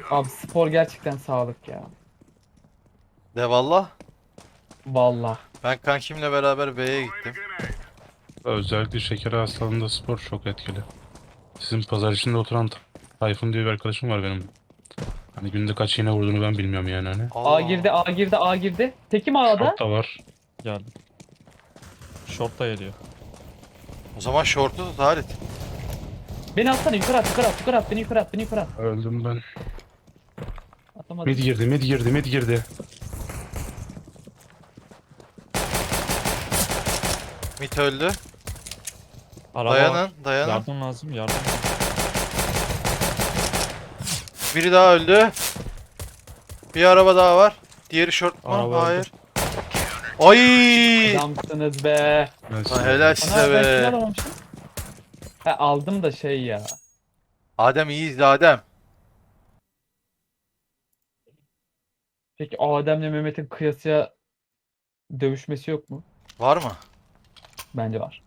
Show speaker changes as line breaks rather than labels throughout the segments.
Abi spor gerçekten sağlık ya.
De valla.
Vallahi.
Ben kankimle beraber B'ye gittim.
Özellikle şeker hastalığında spor çok etkili. Sizin pazar içinde oturan Tayfun diye bir arkadaşım var benim. Hani günde kaç iğne vurduğunu ben bilmiyorum yani hani.
A
Allah.
girdi, A girdi, A girdi. Tekim A'da.
Short da var.
Geldim. Short da geliyor.
O zaman şortu tut Halit.
Beni atsana yukarı at, yukarı at, yukarı at, beni yukarı at, beni yukarı at.
Öldüm ben.
Atamadım.
Mid girdi.
Mit öldü.
Araba var.
Dayanın.
Yardım lazım, yardım.
Biri daha öldü. Bir araba daha var. Diğeri şort mu?
Araba öldü.
Hayır. Ay!
Adamsınız be.
Ben
Lan
size-
helal
Ana
size
ben kill
be.
alamamışım. He aldım da şey ya.
Adem iyiyiz Adem.
Peki Adem'le Mehmet'in kıyasıya dövüşmesi yok mu?
Var mı?
Bence var.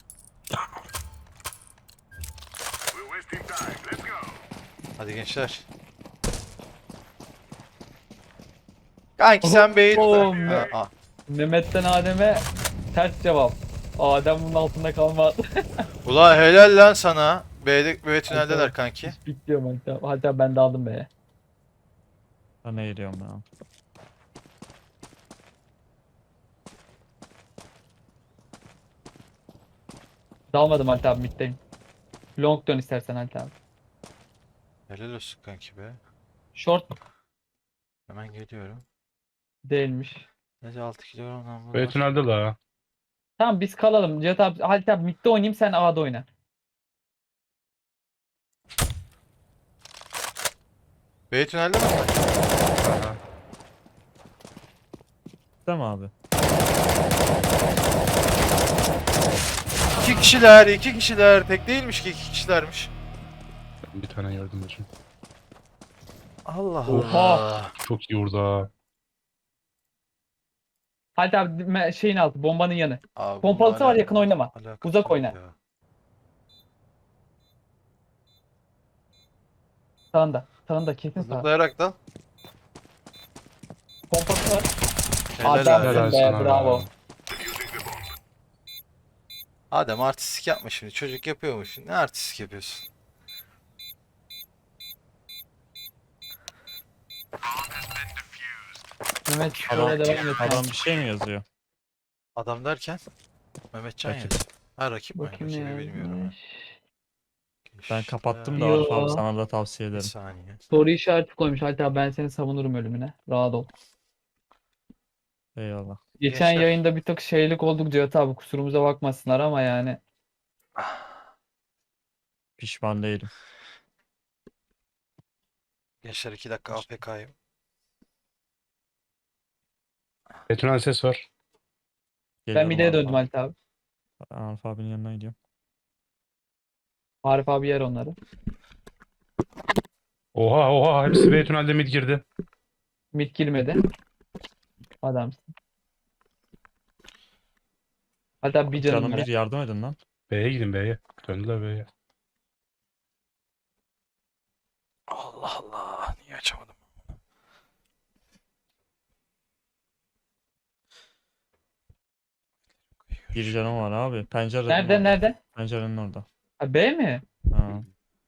Hadi gençler. Kanki sen B'yi tut.
Oğlum,
Ha, ah.
Mehmet'ten Adem'e ters cevap. Adem bunun altında kalmaz.
Ulan helal lan sana. B tüneldeler kanki.
Bekliyorum hatta. Hatta ben de aldım be.
Ben ne geliyorum ya.
Dalmadım Halit abi middeyim. Long dön istersen Halit abi.
Helal olsun kanki be.
Short
Hemen geliyorum.
değilmiş.
Neyse 6 kilo namlu
B
var.
tünelde la.
Tamam biz kalalım. Cihat abi, Halit abi midde oynayayım sen A'da oyna.
B tünelde mi?
Değil mi abi?
İki kişiler. Tek değilmiş ki iki kişilermiş.
Ben bir tane yardım edeceğim.
Allah
Oha.
Allah.
Çok iyi vurdu ha.
Halit abi şeyin altı bombanın yanı.
Abi
Pompalısı
bununla
var yakın oynama.
alakası
Uzak
yok
oyna.
ya.
Sağında. Sağında kesin sağ.
Zıplayarak da.
Pompası var.
Helal
Adamsın
abi.
Helal
be
sana
bravo.
be.
Adem artistik yapma şimdi. Çocuk yapıyormuş. Ne artistik yapıyorsun?
Mehmet
Adam,
şöyle devam et.
adam bir şey mi yazıyor?
Adam derken Mehmetcan
Rakip.
yazıyor. Ha rakip mi?
Bakayım ne
Rakibi bilmiyorum ha.
yazmış.
Ben
Gençler,
kapattım da
Yo.
Arif abi sana da tavsiye
Bir
ederim.
saniye.
Soru işareti koymuş. Halit abi ben seni savunurum ölümüne. Rahat ol.
Eyvallah.
Geçen
Gençler.
yayında bir tık şeylik olduk Cihat abi. Kusurumuza bakmasınlar ama yani.
Pişman değilim.
Gençler 2 dakika AFK'yım.
B tünel ses var.
Ben
Geliyorum
mideye
Arif
döndüm
abi.
Halit abi.
Arif abinin yanına gidiyorum.
Arif abi yer onları.
Oha hepsi B tünelde mid girdi.
Mid girmedi. Adamsın. Hatta bir canım
Canım
var.
bir yardım edin lan.
B'ye gidin B'ye. Döndüler B'ye.
Allah Allah. Niye açamadım?
Bir canım var abi. Pencerenin
Nerede
orada.
nerede?
Pencerenin orada.
Ha, B mi?
Ha.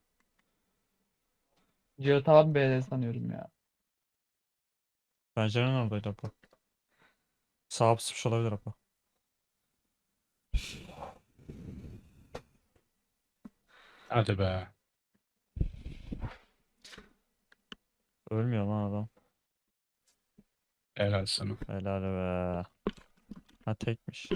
Cihat abi B'de sanıyorum ya.
Pencerenin oradaydı Apo. Sağa pısmış olabilir Apo.
Hadi be.
Ölmüyor lan adam.
Helal sana.
Helal be. Ha tekmiş.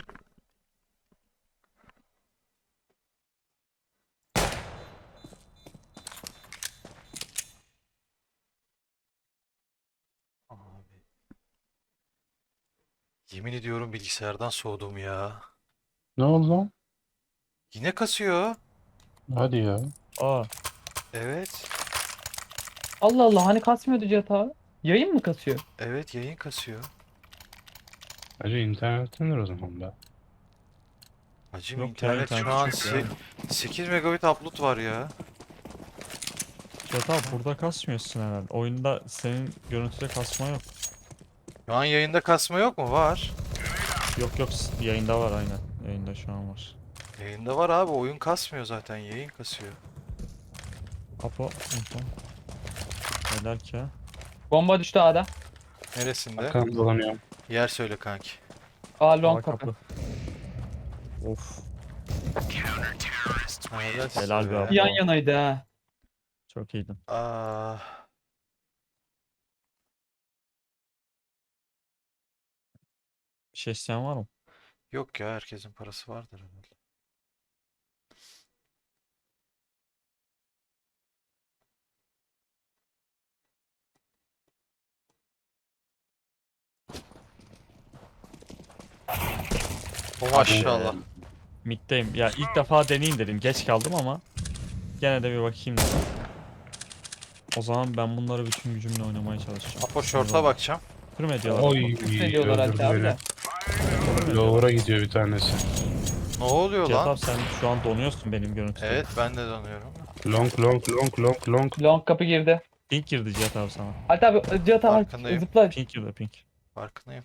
Abi. Yemin ediyorum bilgisayardan soğudum ya.
Ne oldu lan?
Yine kasıyor.
Hadi ya.
Aa.
Evet.
Allah Allah hani kasmıyordu Cihat abi. Yayın mı kasıyor?
Evet yayın kasıyor.
Hacı internetindir o zaman da.
Hacım
Yok ya,
internet şu
internet
an
çok ya.
8 megabit upload var ya.
Cihat abi burada kasmıyorsun herhalde. Oyunda senin görüntüde kasma yok.
Şu an yayında kasma yok mu? Var.
Yok yok yayında var aynen. Yayında şu an var.
Yayında var abi. Oyun kasmıyor zaten. Yayın kasıyor.
Apo. Info. Helal ki.
Bomba düştü A'da.
Neresinde?
Arkamda dolanıyorum.
Yer söyle kanki.
A long
Aa,
kapı.
Of.
Helal
Helal be
be.
abi.
Yan yanaydı ha.
Çok iyiydin.
Aa,
Bir şey isteyen var mı?
yok ya, herkesin parası vardır herhalde. O maşallah.
Mid'deyim. Ya ilk defa deneyeyim dedim. Geç kaldım ama gene de bir bakayım dedim. O zaman ben bunları bütün gücümle oynamaya çalışacağım.
Apo short'a bakacağım.
Kır mı ediyorlar?
Oy,
Yükseliyorlar
öldürdü
hatta abi
beni.
de.
Lower'a gidiyor bir tanesi.
Ne oluyor
Cihat
lan?
abi sen şu an donuyorsun benim görüntüde.
Evet, ben de donuyorum.
Long long long long long.
Long kapı girdi.
Pink girdi Cihat abi sana.
Hatta abi Cihat abi
Farkındayım.
zıpla.
Pink girdi pink.
Farkındayım.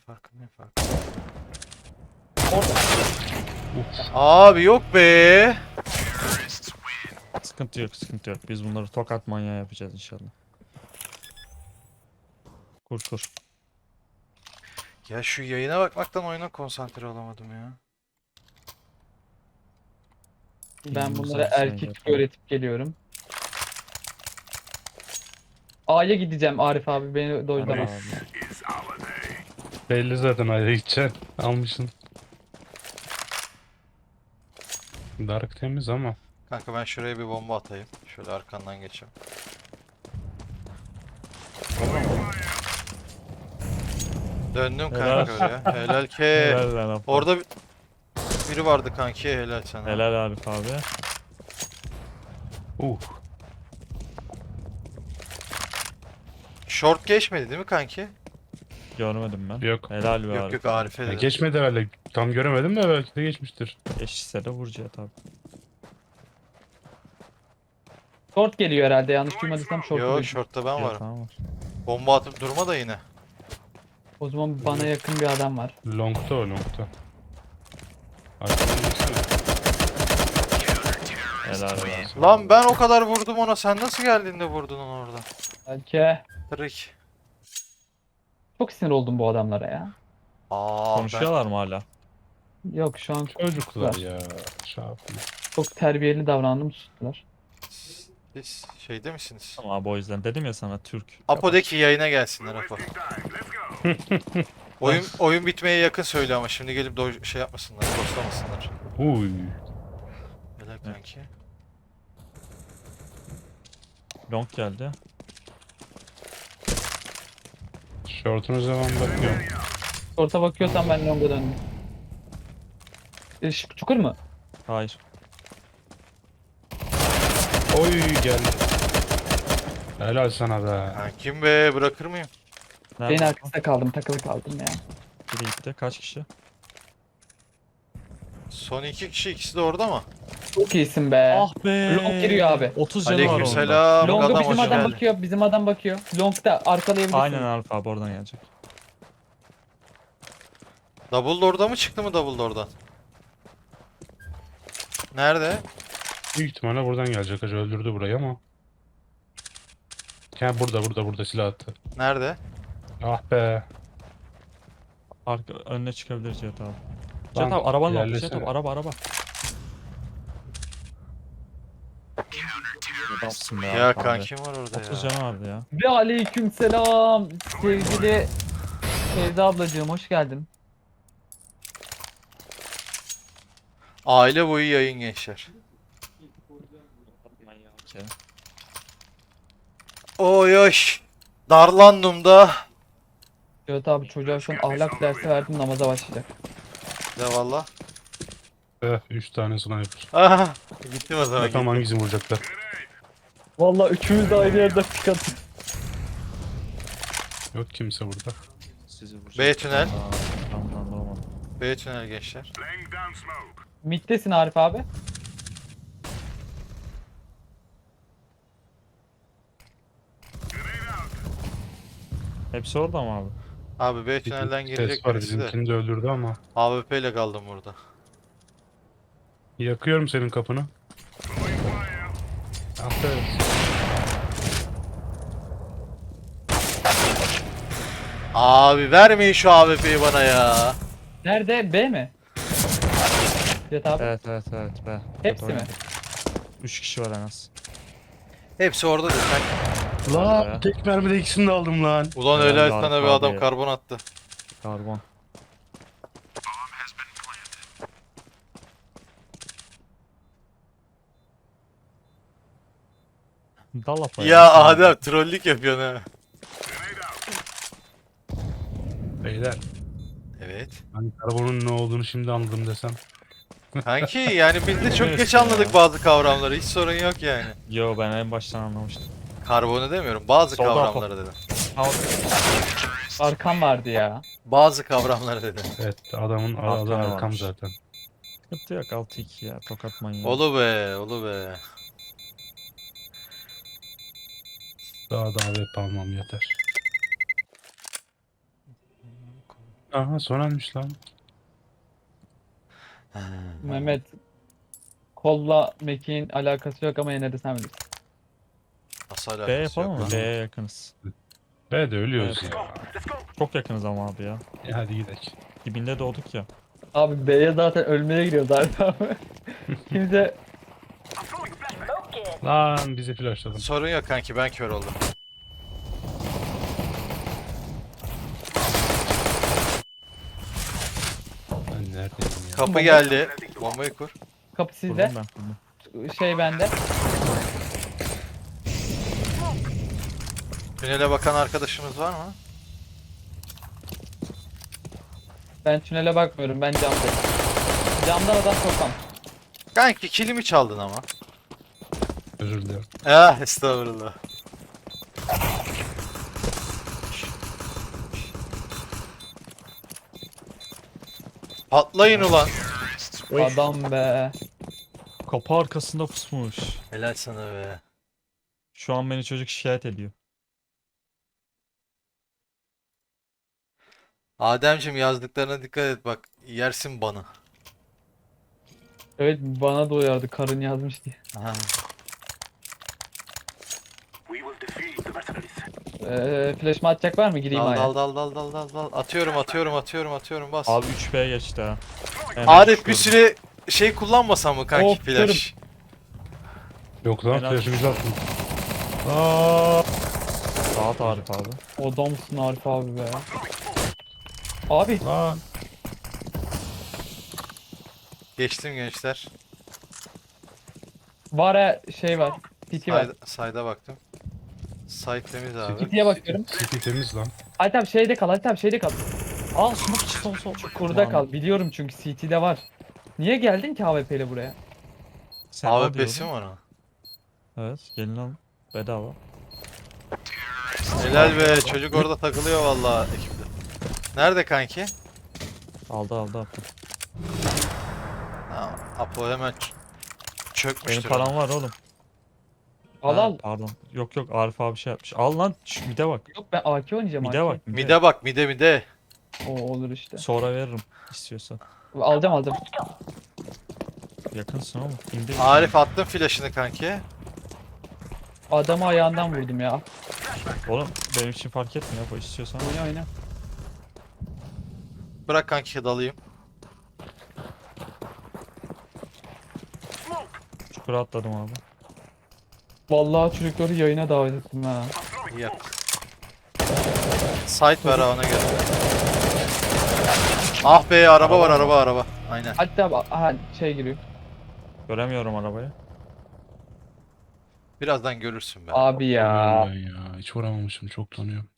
Orada.
Abi yok be.
Sıkıntı yok sıkıntı yok. Biz bunları tokat manyağı yapacağız inşallah. Kur kur.
Ya şu yayına bakmaktan oyuna konsantre olamadım ya.
Ben
İyi,
bunlara
güzel,
erkek
güzel.
öğretip geliyorum. A'ya gideceğim Arif abi beni dojlama.
Abi.
Belli zaten ayrı gideceksin. Almışsın. Dark temiz ama.
Kanka ben şuraya bir bomba atayım. Şöyle arkandan geçeyim. Döndüm
Helal.
kanka oraya. Helal ki.
Helal lan Apo.
Orada biri vardı kanki. Helal sana.
Helal Arif abi.
Short geçmedi değil mi kanki?
Görmedim ben.
Yok.
Helal be
Yok
Arif.
yok, Arif'e
Ya
de.
geçmedi herhalde. Tam göremedim de belki de geçmiştir.
Eşitse de vur Cihat abi.
Short geliyor herhalde yanlış duymadıysam short
Yok,
geliyor.
short'ta ben
Cihat
varım.
abi var.
Bomba atıp durma da yine.
O zaman bana yakın bir adam var.
Long'ta o long'ta. Arkadan baksana.
Helal be.
Lan ben o kadar vurdum ona. Sen nasıl geldin de vurdun onu orada?
Belki.
Trick.
Çok sinir oldum bu adamlara ya.
Aa,
Konuşuyorlar mı hala?
Yok şu an
Çocuklar ya. Şafii.
çok terbiyeli davrandım sustular.
Siz şeyde misiniz?
Tamam abi o yüzden dedim ya sana Türk.
Apo'daki yayına gelsinler Apo. Oyun bitmeye yakın söyle ama şimdi gelip şey yapmasınlar, postamasınlar.
Uy.
Helal kanki.
Long geldi.
Short'un zaman bakıyorum.
Short'a bakıyorsan ben long'a döndüm. Çukur mu?
Hayır.
Oy geldi. Helal sana be.
Kankim be, bırakır mıyım?
Beyin
Nerede?
arkasında kaldım takılı kaldım ya.
Biri gitti. Kaç kişi?
Son iki kişi, ikisi de orada mı?
Çok iyisin be.
Ah be.
Long giriyor abi.
30 canı var onda.
Aleykümselam.
Long'a
Adam
bizim
hoş
adam
geldin.
bakıyor, bizim adam bakıyor. Long'da arkalayabilirsin.
Aynen Arif abi oradan gelecek.
Dumbledore'da mı çıktı mı Dumbledore'dan? Nerede?
Büyük ihtimalle buradan gelecek. Hacı öldürdü burayı ama. Ya burada silah attı.
Nerede?
Ah be.
Arka önüne çıkabilir Cihat abi. Cihat abi arabanın orada. Cihat
ilerlesene.
abi araba. Adamsın be
Ya
Arif abi.
kankim var orada
30
ya.
canı vardı ya.
Ve aleykümselam sevgili Feyza ablacığım hoş geldin.
Aile boyu yayın gençler. Oy oy. Darlandım da.
Evet abi çocuğa şu an ahlak dersi verdim namaza başlayacak.
Ya valla.
3 tane sniper.
Aha. Gittim o zaman.
Bakalım
Gittim.
hangisini vuracaklar.
Vallahi üçümüz de aynı yerde çıkarttık.
Yok kimse burada.
Sizi vuracak.
B tünel.
Tamam olmadı.
B tünel gençler.
Mid'desin Arif abi.
Hepsi orada mı abi?
Abi B
Bir
tünelden
ses
girecek
var
birisi de.
bizimkini de öldürdü ama.
AWP ile kaldım burada.
Yakıyorum senin kapını. Aferin.
Abi vermeyin şu AWP'yi bana ya.
Nerede? B mi? Jet abi.
Evet evet evet be.
Hepsi mi?
3 kişi var en az.
Hepsi orada diyor.
Lan
ya.
tek mermide ikisini de aldım lan.
Ulan
Helal
öyle
be
sana
Arif
bir adam
abi.
karbon attı.
Karbon. Dalapa
Ya Adem trollük yapıyorsun ha.
Beyler.
Evet.
Ben karbonun ne olduğunu şimdi anladım desem.
Kanki yani biz de çok
Evet
geç
ya.
anladık bazı kavramları. Hiç sorun yok yani.
Yo ben en baştan anlamıştım.
Karbonu demiyorum. Bazı
Solda
kavramları dedim.
Arkam vardı ya.
Bazı kavramları dedim.
Evet adamın adı
Arkana
arkam
varmış.
zaten.
Sıkıntı yok 6-2 ya tokat manyağı.
Olu be, olu be.
Daha da AWP almam yeter. Aha son elmiş lan.
Mehmet kolla Meki'nin alakası yok ama yine de sen bilirsin.
Nasıl
B
alakası
yapalım
yok
mı?
lan?
B'ye yakınız.
Be de ölüyoruz
Evet.
ya.
Çok yakınız ama abi ya.
Hadi gidelim.
Dibinde doğduk ya.
Abi B'ye zaten ölmeye gidiyor zaten abi. Kimse
Lan bizi flashladım.
Sorun yok kanki, ben kör oldum.
Ben neredeyim ya?
Kapı geldi. Bombayı kur.
kapı
Kurdum
sizde.
ben kurdum.
Şey bende.
Tünele bakan arkadaşımız var mı?
Ben tünele bakmıyorum. Ben camdayım. Camdan adam sokmam.
Kanki kilimi çaldın ama.
Özür dilerim.
Ah estağfurullah. Patlayın ulan.
Adam be.
Kapı arkasında pusmuş.
Helal sana be.
Şu an beni çocuk şikayet ediyor.
Ademciğim yazdıklarına dikkat et bak. Yersin bana.
Evet bana da uyardı karın yazmış diye.
Aha.
Flash'ımı atacak var mı? Gireyim
Dal
aya.
dal dal dal dal dal dal. Atıyorum bas.
Abi 3B geçti ha. Hemen
Arif bir
çıkıyorum.
süre şey kullanmasam mı kanki
Of,
flash?
Yok lan
Helal.
flash'ımızı attım.
Rahat Arif abi.
Adamsın Arif abi be. Abi
Lan.
Geçtim gençler.
var ya şey var. PT var.
Sayda baktım. Site temiz abi.
PT'ye bakıyorum.
City temiz lan.
Halit abi şeyde kal. Halit abi şeyde kal.
Aa smoke içi sol.
Kurda kal. Biliyorum çünkü CT'de var. Niye geldin ki AWP ile buraya?
Sen al
AWP'si mi
diyordun.
ona?
Evet gelin al. Bedava.
Helal be çocuk orada takılıyor vallahi ekipte. Nerede kanki?
Aldı.
Ha, Apo hemen
Benim
çökmüştür.
param var oğlum.
Al
Ha,
al.
Pardon. Yok Arif abi şey yapmış. Al lan şu mide bak.
Yok ben AK oynayacağım.
Mide
AK.
bak.
Mide bak mide.
O olur işte.
Sonra veririm istiyorsan.
Alacağım.
Yakınsın oğlum. İndir.
Arif attın flash'ını kanki.
Adamı ayağından vurdum ya.
Oğlum benim için fark etmiyor. Bu istiyorsan.
Oyna.
Bırak kanki dalayım.
Çukura atladım abi.
Vallahi çocukları yayına davet ettim ha.
İyi yaptın. Site ver ha, ona göre. Ah be araba var araba. Aynen.
Hatta aha, şey giriyor.
Göremiyorum arabayı.
Birazdan görürsün be.
Abi ya.
Tanıyorum ben ya. Hiç vuramamışım. Çok tanıyorum.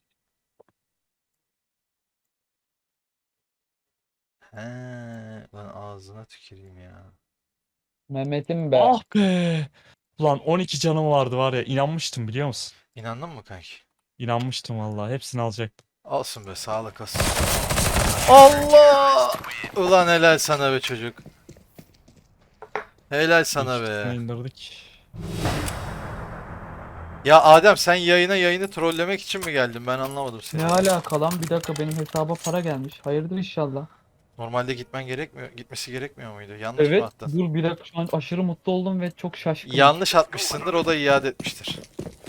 He, lan ağzına tüküreyim ya.
Mehmet'im be.
Ah be. Ulan 12 canım vardı var ya. İnanmıştım biliyor musun?
İnandın mı kanki?
İnanmıştım vallahi. Hepsini alacaktım.
Olsun be sağlık olsun. Allah! Ulan helal sana be çocuk. Helal sana
İlk
be.
indirdik.
Ya Adem sen yayını trollemek için mi geldin? Ben anlamadım seni.
Ne alaka lan? Bir dakika benim hesaba para gelmiş. Hayırdır inşallah.
Normalde gitmesi gerekmiyor muydu? Yanlış mı
Evet.
attın?
Dur bir dakika şu an aşırı mutlu oldum ve çok şaşkınım.
Yanlış atmışsındır, o da iade etmiştir.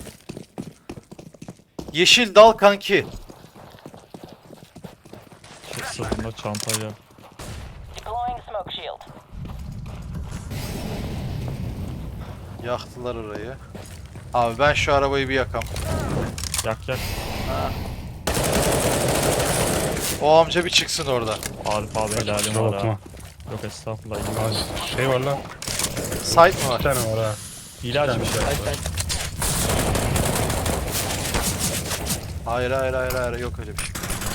Yeşil dal kanki.
Şu sırtında çantayla.
Deploying smoke shield.
Yaktılar orayı. Abi ben şu arabayı bir yakam.
Yak yak.
O amca bir çıksın orada.
Arif abi helalim
Kusura
var
bakma.
ha. Yok estağfurullah.
Aa, şey var lan.
Site mi
Bir
var?
tane var ha.
Hile açmış.
Ay, ay.
Hayır, yok öyle bir şey.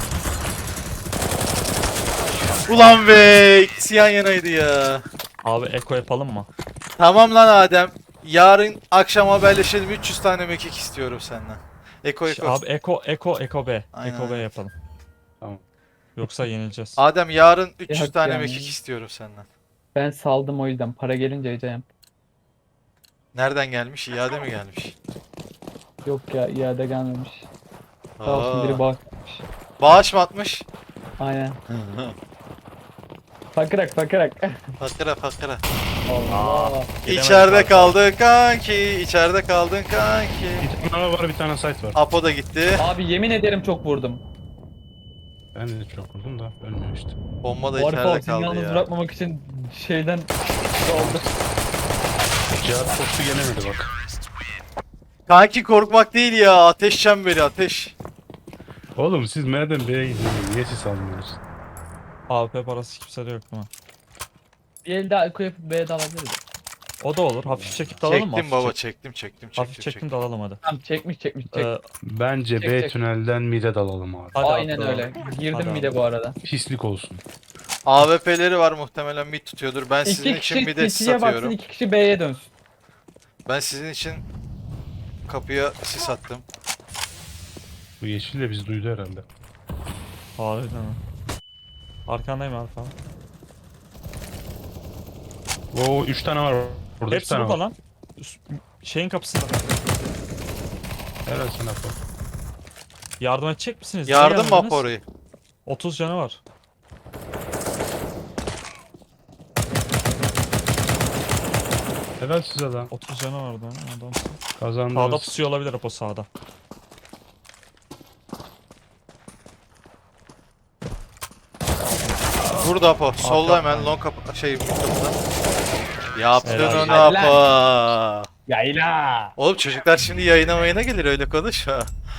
Ulan be, ikisi yan yanaydı ya.
Abi eko yapalım mı?
Tamam lan Adem. Yarın akşam haberleşelim, 300 tane mekik istiyorum senden. Eko.
Abi eko B.
Aynen,
Eko B
aynen.
yapalım.
Tamam.
Yoksa yenileceğiz.
Adem yarın 300
Yok
tane
yani.
mekik istiyorum senden.
Ben saldım o yüzden. Para gelince yiyeceğim.
Nereden gelmiş? İade mi gelmiş?
Yok ya iade gelmemiş. Sağ olsun
Aa,
biri bağışlamış.
bağış mı atmış?
Aynen. Fakırak.
Fakıra.
Allah.
Gidemedik
İçeride
abi.
kaldın kanki, içeride kaldın kanki.
Bir tane var, bir tane site var.
Apo da gitti.
Abi yemin ederim çok vurdum.
Ben de çok vurdum da ölmüyor işte.
Bomba da
Bu Arif
içeride
abi seni
kaldı
yalnız
ya.
bırakmamak için şeyden oldu.
Cihat postu gelemedi bak.
Kanki korkmak değil ya, ateş çemberi ateş.
Oğlum siz nereden B'ye gidiyorsunuz? Niye siz almıyorsunuz?
AWP parası kimsede yok değil mi?
Bir el daha eko yapıp B'ye dalabiliriz.
O da olur. Hafif çekip dalalım mı?
Çektim
Hafif
baba,
çek-
çektim.
Hafif çektim dalalım hadi.
Tamam çekmiş.
Bence
Çek,
B
çek.
tünelden mid'e dalalım abi.
Hadi
Aynen
abi,
öyle. Girdim
Hadi
bir de
abi.
bu arada.
Pislik olsun.
AWP'leri var, muhtemelen mid tutuyordur. Ben sizin
İki
için
kişi
mid'e sis
City'ye baksın,
atıyorum.
2 kişi B'ye dönsün.
Ben sizin için kapıya sis attım.
Bu yeşil de bizi duydu herhalde.
Harbiden ha. Arkandayım Arif abi.
Oo 3 tane var burada. 3
Hepsi
tane
burada
var.
lan. Şeyin kapısında.
Helal sana Apo.
Yardım edecek misiniz? Niye
Yardım mı
gelmediniz?
Apo orayı?
30 canı var.
Helal size lan.
30 canı vardı adam. Sağda
Kazandınız.
pusuyor olabilir Apo sağda.
Burada Apo. Solda hemen long kapı mid kapıda. Yaptın
Helal.
onu
Helal.
Apo.
Yayla.
Oğlum çocuklar şimdi yayına gelir, öyle konuşma.